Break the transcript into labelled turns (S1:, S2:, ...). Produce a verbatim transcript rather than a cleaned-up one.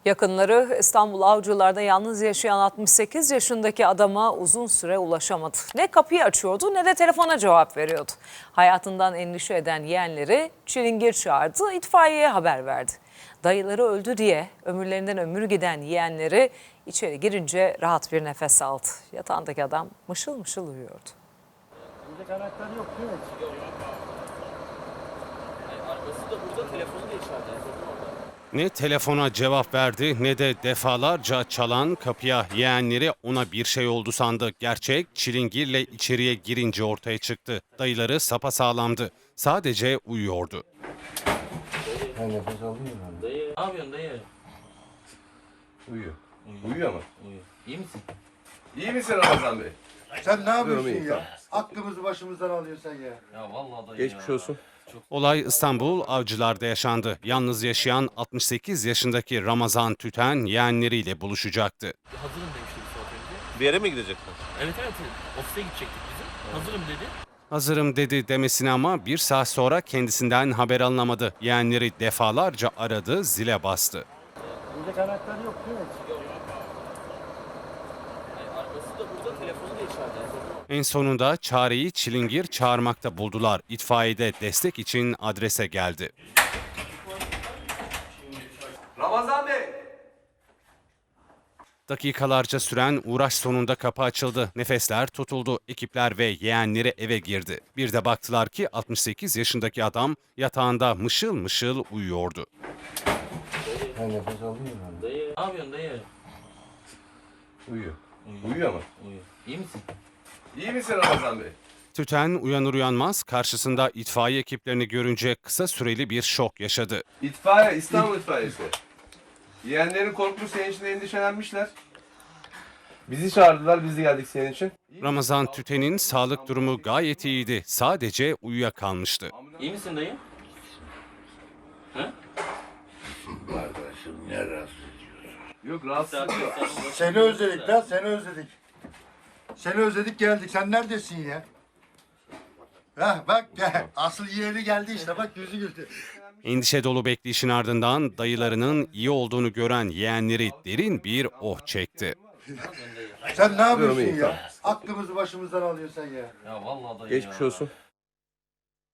S1: Yakınları İstanbul Avcılar'da yalnız yaşayan altmış sekiz yaşındaki adama uzun süre ulaşamadı. Ne kapıyı açıyordu ne de telefona cevap veriyordu. Hayatından endişe eden yeğenleri çilingir çağırdı, itfaiyeye haber verdi. Dayıları öldü diye ömürlerinden ömür giden yeğenleri içeri girince rahat bir nefes aldı. Yatağındaki adam mışıl mışıl uyuyordu.
S2: Burada karakter yok değil mi?
S3: Arkası da burada, telefonu da içeride.
S4: Ne telefona cevap verdi ne de defalarca çalan kapıya yeğenleri ona bir şey oldu sandı. Gerçek çilingirle içeriye girince ortaya çıktı. Dayıları sapasağlamdı. Sadece uyuyordu.
S2: Ha, nefes alıyor yani.
S3: Dayı. Ne yapıyorsun dayı?
S5: Uyuyor. Uyuyor mu?
S3: Uyuyor. İyi misin?
S5: İyi misin Ramazan Bey?
S6: Sen ne yapıyorsun
S5: iyi,
S6: ya? Aklımızı başımızdan alıyorsun sen ya.
S3: Ya vallahi dayı
S5: Geçmiş
S3: ya.
S5: olsun.
S4: Olay İstanbul Avcılar'da yaşandı. Yalnız yaşayan altmış sekiz yaşındaki Ramazan Tüten yeğenleriyle buluşacaktı.
S3: Hazırım demişti bir saat önce.
S5: Bir yere mi gidecektin?
S3: Evet evet. Ofise gidecektik bizim. Hazırım dedi.
S4: Hazırım dedi demesine ama bir saat sonra kendisinden haber alınamadı. Yeğenleri defalarca aradı, zile bastı.
S2: Burada karakter yok değil mi?
S3: Arkası da burada, telefonu da içeride.
S4: En sonunda çareyi çilingir çağırmakta buldular. İtfaiyede destek için adrese geldi.
S5: Ramazan Bey!
S4: Dakikalarca süren uğraş sonunda kapı açıldı. Nefesler tutuldu. Ekipler ve yeğenleri eve girdi. Bir de baktılar ki altmış sekiz yaşındaki adam yatağında mışıl mışıl uyuyordu.
S2: Ha, nefes alıyor yani.
S3: Dayı. Ne yapıyorsun dayı?
S5: Uyuyor. Uyuyor mu?
S3: Uyuyor. İyi misin?
S5: İyi misin Ramazan Bey?
S4: Tüten uyanır uyanmaz karşısında itfaiye ekiplerini görünce kısa süreli bir şok yaşadı.
S5: İtfaiye, İstanbul İtfaiyesi. Yeğenlerin korkmuş, senin için endişelenmişler. Bizi çağırdılar, biz de geldik senin için.
S4: Ramazan Tüten'in sağlık durumu gayet iyiydi. Sadece uyuyakalmıştı.
S3: İyi misin dayı? He?
S5: Yok, rahatsız yok.
S6: Seni özledik lan, seni özledik. Seni özledik geldik. Sen neredesin ya? Hah bak gel. Asıl yeğeni geldi işte bak yüzü güldü.
S4: Endişe dolu bekleyişin ardından dayılarının iyi olduğunu gören yeğenleri derin bir oh çekti.
S6: Sen ne yapıyorsun
S5: iyi,
S6: ya? Aklımızı başımızdan alıyorsun sen ya.
S3: Ya vallahi dayı
S5: Geçmiş
S3: ya.
S5: olsun.